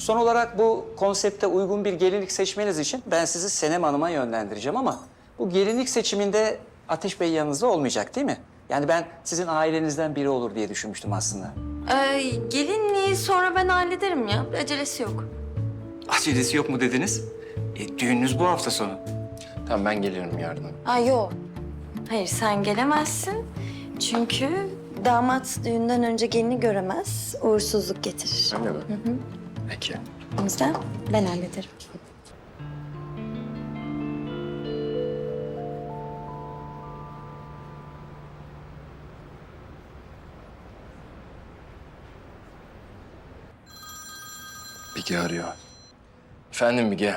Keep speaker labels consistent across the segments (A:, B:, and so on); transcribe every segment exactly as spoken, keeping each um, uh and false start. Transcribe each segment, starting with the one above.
A: Son olarak bu konsepte uygun bir gelinlik seçmeniz için ben sizi Senem Hanım'a yönlendireceğim ama bu gelinlik seçiminde Ateş Bey yanınızda olmayacak değil mi? Yani ben sizin ailenizden biri olur diye düşünmüştüm aslında.
B: Ee, gelinliği sonra ben hallederim ya. Bir acelesi yok.
A: Acelesi yok mu dediniz? E, düğününüz bu hafta sonu.
C: Tamam ben gelirim yardıma.
B: Aa yok. Hayır sen gelemezsin. Çünkü damat düğünden önce gelini göremez. Uğursuzluk getirir.
C: Öyle mi? Hı hı. Peki.
B: O yüzden ben hallederim.
C: Bige arıyor. Efendim Bige.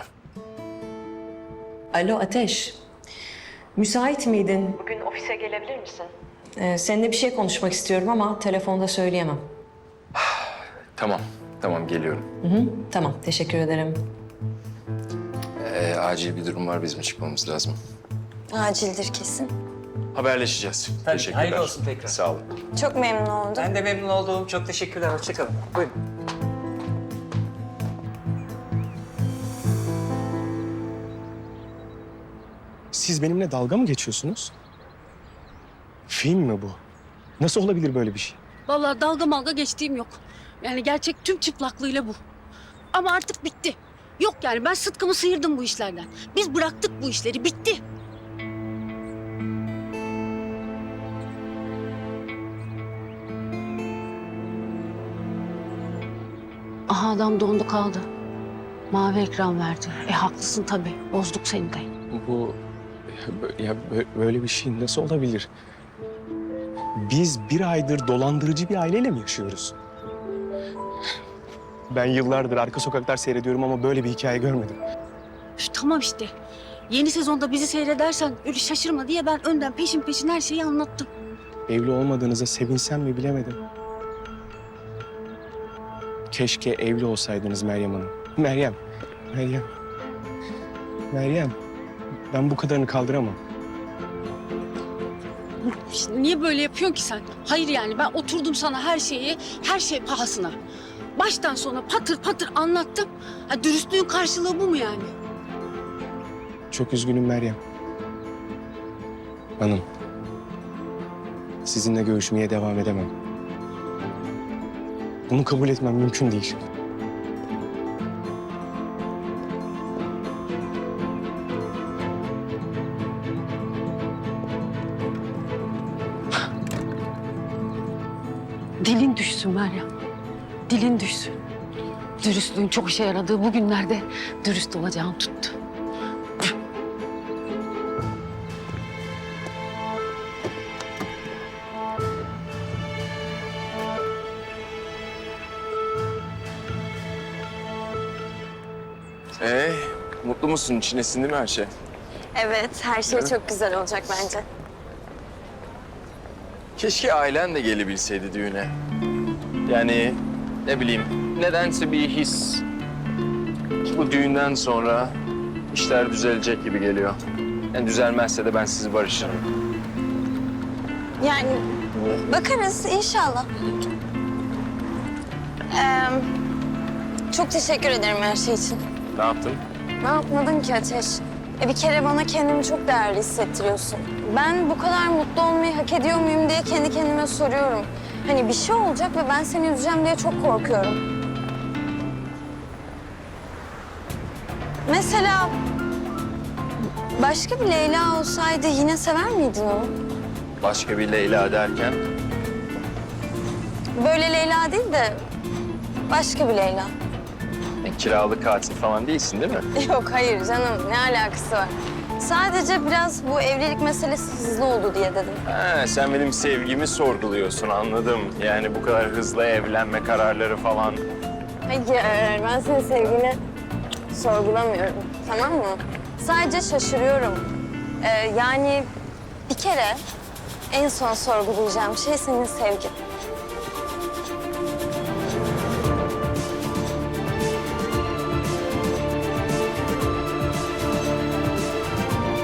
D: Alo Ateş. Müsait miydin?
E: Bugün ofise gelebilir misin?
D: Ee, seninle bir şey konuşmak istiyorum ama telefonda söyleyemem.
C: Tamam. Tamam geliyorum.
D: Hı hı, tamam, teşekkür ederim.
C: Ee, acil bir durum var, bizim çıkmamız lazım.
B: Acildir kesin.
C: Haberleşeceğiz.
A: Tabii,
C: Teşekkürler.
A: hayırlı olsun tekrar.
C: Sağ olun.
B: Çok memnun oldum.
A: Ben de memnun oldum. Çok teşekkürler. Hoşçakalın. Buyurun.
F: Siz benimle dalga mı geçiyorsunuz? Film mi bu? Nasıl olabilir böyle bir şey?
G: Vallahi dalga malga geçtiğim yok. Yani gerçek tüm çıplaklığıyla bu. Ama artık bitti. Yok yani ben sıtkımı sıyırdım bu işlerden. Biz bıraktık bu işleri, bitti. Aha adam dondu kaldı. Mavi ekran verdi. E haklısın tabii. Bozduk seni de.
F: Bu ya bö- ya bö- böyle bir şey nasıl olabilir? Biz bir aydır dolandırıcı bir aileyle mi yaşıyoruz? Ben yıllardır Arka Sokaklar seyrediyorum ama böyle bir hikaye görmedim.
G: Üf, tamam işte. Yeni sezonda bizi seyredersen öyle şaşırma diye ben önden peşin peşin her şeyi anlattım.
F: Evli olmadığınıza sevinsem mi bilemedim. Keşke evli olsaydınız Meryem Hanım. Meryem, Meryem. Meryem, ben bu kadarını kaldıramam.
G: İşte niye böyle yapıyorsun ki sen? Hayır yani ben oturdum sana her şeyi, her şey pahasına. Baştan sona patır patır anlattım. Ha, dürüstlüğün karşılığı bu mu yani?
F: Çok üzgünüm Meryem. Hanım, sizinle görüşmeye devam edemem. Bunu kabul etmem mümkün değil.
G: Dilin düşsün Meryem. Dilin düşsün. Dürüstlüğün çok işe yaradığı bu günlerde dürüst olacağını tuttu.
C: Ee, mutlu musun? İçine sindi mi her şey?
B: Evet, her şey çok güzel olacak bence.
C: Keşke ailen de gelebilseydi düğüne. Yani ne bileyim, nedense bir his. Bu düğünden sonra işler düzelecek gibi geliyor. Yani düzelmezse de ben sizi barışırım.
B: Yani bakarız inşallah. Ee, çok teşekkür ederim her şey için.
C: Ne yaptın?
B: Ne yapmadın ki Ateş? E bir kere bana kendimi çok değerli hissettiriyorsun. Ben bu kadar mutlu olmayı hak ediyor muyum diye kendi kendime soruyorum. Hani bir şey olacak ve ben seni üzeceğim diye çok korkuyorum. Mesela başka bir Leyla olsaydı yine sever miydin onu?
C: Başka bir Leyla derken?
B: Böyle Leyla değil de başka bir Leyla.
C: E, kiralık katil falan değilsin değil mi?
B: Yok hayır canım ne alakası var? Sadece biraz bu evlilik meselesi hızlı oldu diye dedim.
C: Ha, sen benim sevgimi sorguluyorsun, anladım. Yani bu kadar hızlı evlenme kararları falan.
B: Hayır ben senin sevgini sorgulamıyorum tamam mı? Sadece şaşırıyorum. Ee, yani bir kere en son sorgulayacağım şey senin sevgin.